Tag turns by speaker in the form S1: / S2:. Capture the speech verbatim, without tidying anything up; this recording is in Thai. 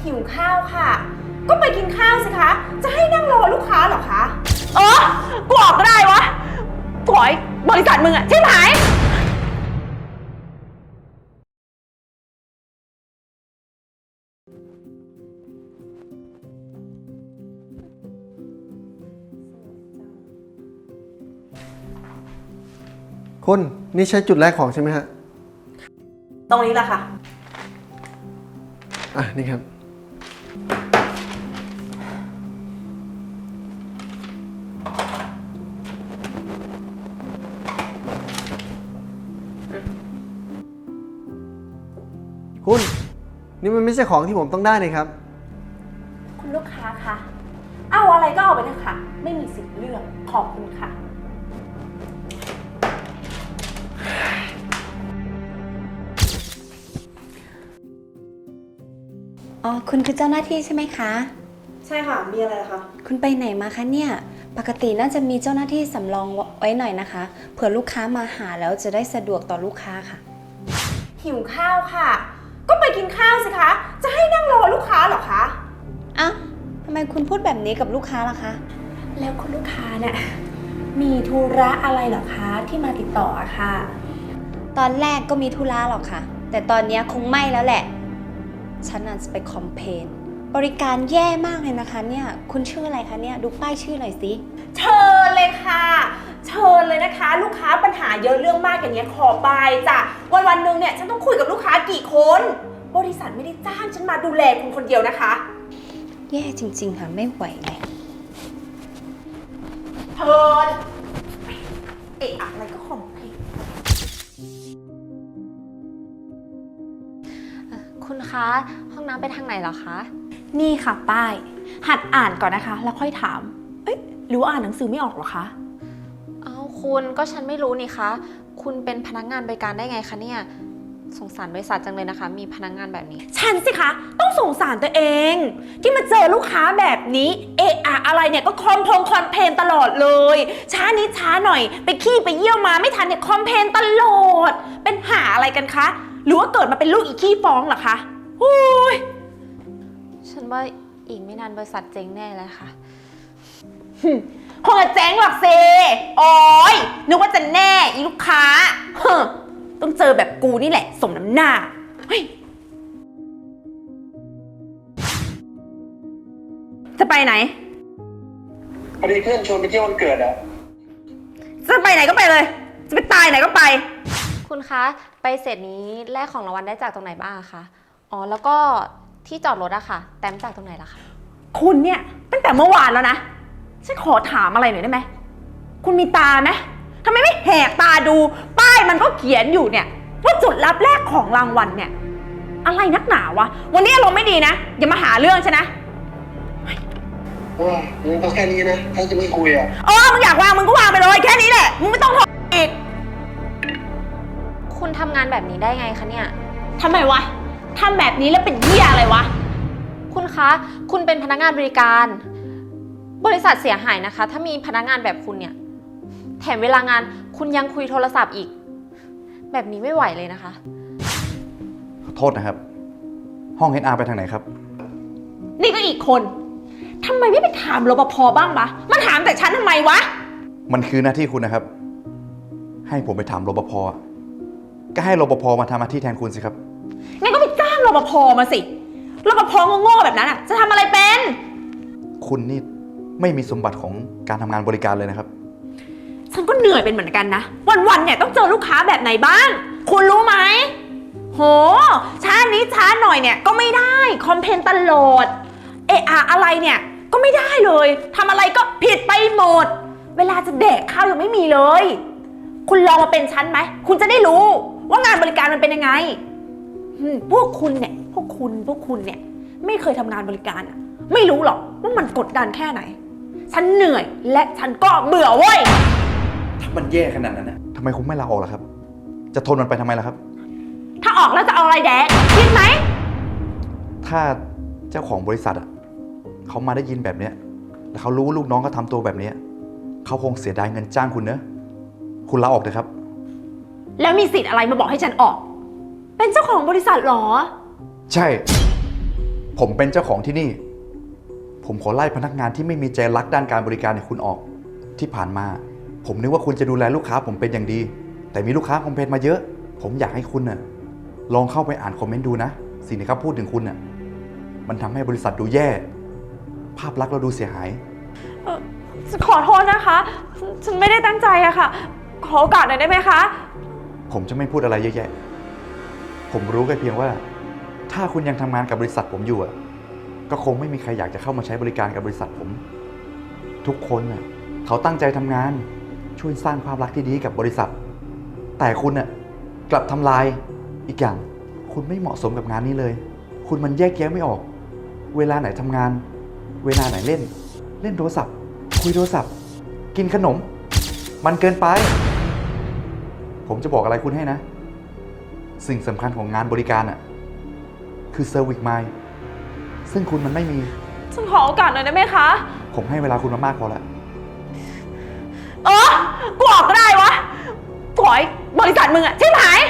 S1: หิวข้าวค่ะก็ไปกินข้าวสิคะจะให้นั่งรอลูกค้าเหรอคะ
S2: เออกูออกก็ได้วะถอยบริษัทมึงอะใช่ไหม
S3: คุณนี่ใช่จุดแรกของใช่ไหมฮะ
S2: ตรงนี้แหละค่ะ
S3: อ่ะนี่ครับคุณนี่มันไม่ใช่ของที่ผมต้องได้เลยครับ
S1: คุณลูกค้าคะเอาอะไรก็เอาไปเลยค่ะไม่มีสิทธิ์เลือกขอบคุณค่ะ
S4: อ๋อคุณคือเจ้าหน้าที่ใช่ไหมคะ
S1: ใช่ค่ะมีอะไรคะ
S4: คุณไปไหนมาคะเนี่ยปกติน่าจะมีเจ้าหน้าที่สำรองไว้หน่อยนะคะเผื่อลูกค้ามาหาแล้วจะได้สะดวกต่อลูกค้าค่ะ
S1: หิวข้าวค่ะก็ไปกินข้าวสิคะจะให้นั่งรอลูกค้าเหรอคะ
S4: อ้าวทำไมคุณพูดแบบนี้กับลูกค้าล่ะคะ
S1: แล้วคุณลูกค้าเนี่ยมีธุระอะไรเหรอคะที่มาติดต่ออะค่ะ
S4: ตอนแรกก็มีธุระหรอกค่ะแต่ตอนนี้คงไม่แล้วแหละฉันน่าจะไปคอมเพลนบริการแย่มากเลยนะคะเนี่ยคุณชื่ออะไรคะเนี่ยดูป้ายชื่อหน่อยสิ
S1: เชิญเลยค่ะเชิญเลยนะคะลูกค้าปัญหาเยอะเรื่องมากอย่างนี้ขอบายจ้ะวันวันหนึ่งเนี่ยฉันต้องคุยกับลูกค้ากี่คนบริษัทไม่ได้จ้างฉันมาดูแลคุณคนเดียวนะคะ
S4: แย่จริงๆค่ะไม่ไหวเลย
S1: เชิญเอ๊ะอะไรก็คอมเพลน
S5: คุณคะห้องน้ำไปทางไหนเหรอคะ
S1: นี่ค่ะป้ายหัดอ่านก่อนนะคะแล้วค่อยถามเอ๊ะหรือว่าอ่านหนังสือไม่ออกหรอคะ
S5: เอาคุณก็ฉันไม่รู้นี่คะคุณเป็นพนักงานบริการได้ไงคะเนี่ยสงสารบริษัทจังเลยนะคะมีพนักงานแบบนี้
S1: ฉันสิคะต้องสงสารตัวเองที่มาเจอลูกค้าแบบนี้เอะอะอะไรเนี่ยก็คอมพงคอนเพลนตลอดเลยช้านิดช้าหน่อยไปขี้ไปเยี่ยวมาไม่ทันเนี่ยคอมเพลนตลอดเป็นหาอะไรกันคะหรือว่าเกิดมาเป็นลูกอีขี้ฟ้องเหรอคะฮู้ย
S5: ฉันว่าอีกไม่นานบริษัทเจ๊งแน่เลยค่ะ
S1: คงจะเจ๊งหรอกเซโอ้ยนึกว่าจะแน่อีลูกค้าต้องเจอแบบกูนี่แหละสมน้ำหน้าเฮ้ยจะไปไหน
S6: พอดีเพื่อนชวนไปเที่ยววันเกิดอะ
S1: จะไปไหนก็ไปเลยจะไปตายไหนก็ไป
S5: คุณคะไปเสร็จนี้แลกของรางวัลได้จากตรงไหนบ้างคะอ๋อแล้วก็ที่จอดรถอะค่ะแต้มจากตรงไหนล่ะคะ
S1: คุณเนี่ยตั้งแต่เมื่อวานแล้วนะฉันขอถามอะไรหน่อยได้ไหมคุณมีตาไหมทำไมไม่แหกตาดูป้ายมันก็เขียนอยู่เนี่ยว่าจุดรับแลกของรางวัลเนี่ยอะไรนักหนาวะวันนี้อารมณ์ไม่ดีนะอย่ามาหาเรื่องฉันนะ
S6: โอ้ยมันก็แค่นี้นะถ้าจะไม่คุยอะ
S1: อ๋อมึงอยากวางมึงก็วางไปเลยแค่นี้แหละมึงไม่ต้องโทรอีก
S5: คุณทำงานแบบนี้ได้ไงคะเนี่ย
S1: ทำไมวะทำแบบนี้แล้วเป็นเหี้ยอะไรวะ
S5: คุณคะคุณเป็นพนักงานบริการบริษัทเสียหายนะคะถ้ามีพนักงานแบบคุณเนี่ยแถมเวลางานคุณยังคุยโทรศัพท์อีกแบบนี้ไม่ไหวเลยนะคะ
S7: ขอโทษนะครับห้อง เอช อาร์ ไปทางไหนครับ
S1: นี่ก็อีกคนทำไมไม่ไปถามรปภบ้างปะมาถามแต่ฉันทำไมวะ
S7: มันคือหน้าที่คุณนะครับให้ผมไปถามรปภก็ให้รปภมาทำหน้าที่แทนคุณสิครับ
S1: งั้นก็ไปจ้างรปภมาสิรปภโง่ๆแบบนั้นอ่ะจะทำอะไรเป็น
S7: คุณนี่ไม่มีสมบัติของการทำงานบริการเลยนะครับ
S1: ฉันก็เหนื่อยเป็นเหมือนกันนะวันๆเนี่ยต้องเจอลูกค้าแบบไหนบ้างคุณรู้ไหมโหช้านี้ช้าหน่อยเนี่ยก็ไม่ได้คอมเพลนตลอดเอะอะอะไรเนี่ยก็ไม่ได้เลยทำอะไรก็ผิดไปหมดเวลาจะแดกข้าวยังไม่มีเลยคุณลองมาเป็นฉันไหมคุณจะได้รู้ว่างานบริการมันเป็นยังไงพวกคุณเนี่ยพวกคุณพวกคุณเนี่ยไม่เคยทำงานบริการอะไม่รู้หรอกว่ามันกดดันแค่ไหนฉันเหนื่อยและฉันก็เบื่อเว้ย
S7: ถ้ามันแย่ขนาดนั้นนะทำไมคุณไม่ลาออกล่ะครับจะทนมันไปทำไมล่ะครับ
S1: ถ้าออกแล้วจะเอาอะไรแดกคิดไหม
S7: ถ้าเจ้าของบริษัทอ่ะเขามาได้ยินแบบเนี้ยแล้วเขารู้ว่าลูกน้องเขาทำตัวแบบนี้เขาคงเสียดายเงินจ้างคุณเนอะคุณลาออกเถอะครับ
S1: แล้วมีสิทธิ์อะไรมาบอกให้ฉันออกเป็นเจ้าของบริษัทหรอ
S7: ใช่ผมเป็นเจ้าของที่นี่ ผมขอไล่พนักงานที่ไม่มีใจรักด้านการบริการเนี่ยคุณออก ที่ผ่านมา ผมนึกว่าคุณจะดูแลลูกค้าผมเป็นอย่างดี แต่มีลูกค้าคอมเพลนมาเยอะ ผมอยากให้คุณน่ะลองเข้าไปอ่านคอมเมนต์ดูนะ สิ่งที่เขาพูดถึงคุณน่ะมันทำให้บริษัทดูแย่ ภาพลักษณ์เราดูเสียหาย
S1: ฉันขอโทษนะคะ ฉันไม่ได้ตั้งใจอะค่ะ ขอโอกาสหน่อยได้ไหมคะ
S7: ผมจะไม่พูดอะไรเยอะแยะ ผมรู้แค่เพียงว่า ถ้าคุณยังทำงานกับบริษัทผมอยู่อ่ะ ก็คงไม่มีใครอยากจะเข้ามาใช้บริการกับบริษัทผม ทุกคนน่ะเขาตั้งใจทำงาน ช่วยสร้างภาพลักษณ์ที่ดีให้กับบริษัท แต่คุณน่ะกลับทำลาย อีกอย่าง คุณไม่เหมาะสมกับงานนี้เลย คุณมันแยกแยะไม่ออก เวลาไหนทำงาน เวลาไหนเล่น เล่นโทรศัพท์ คุยโทรศัพท์ กินขนม มันเกินไป ผมจะบอกอะไรคุณให้นะ สิ่งสำคัญของงานบริการอ่ะคือ Service Mind ซึ่งคุณมันไม่มี
S1: ฉันขอโอกาสหน่อยได้ไหมคะ
S7: ผมให้เวลาคุณมามากพอแล้ว
S1: เออกูออกก็ได้วะขอให้บริษัทมึงอะใช่ไหม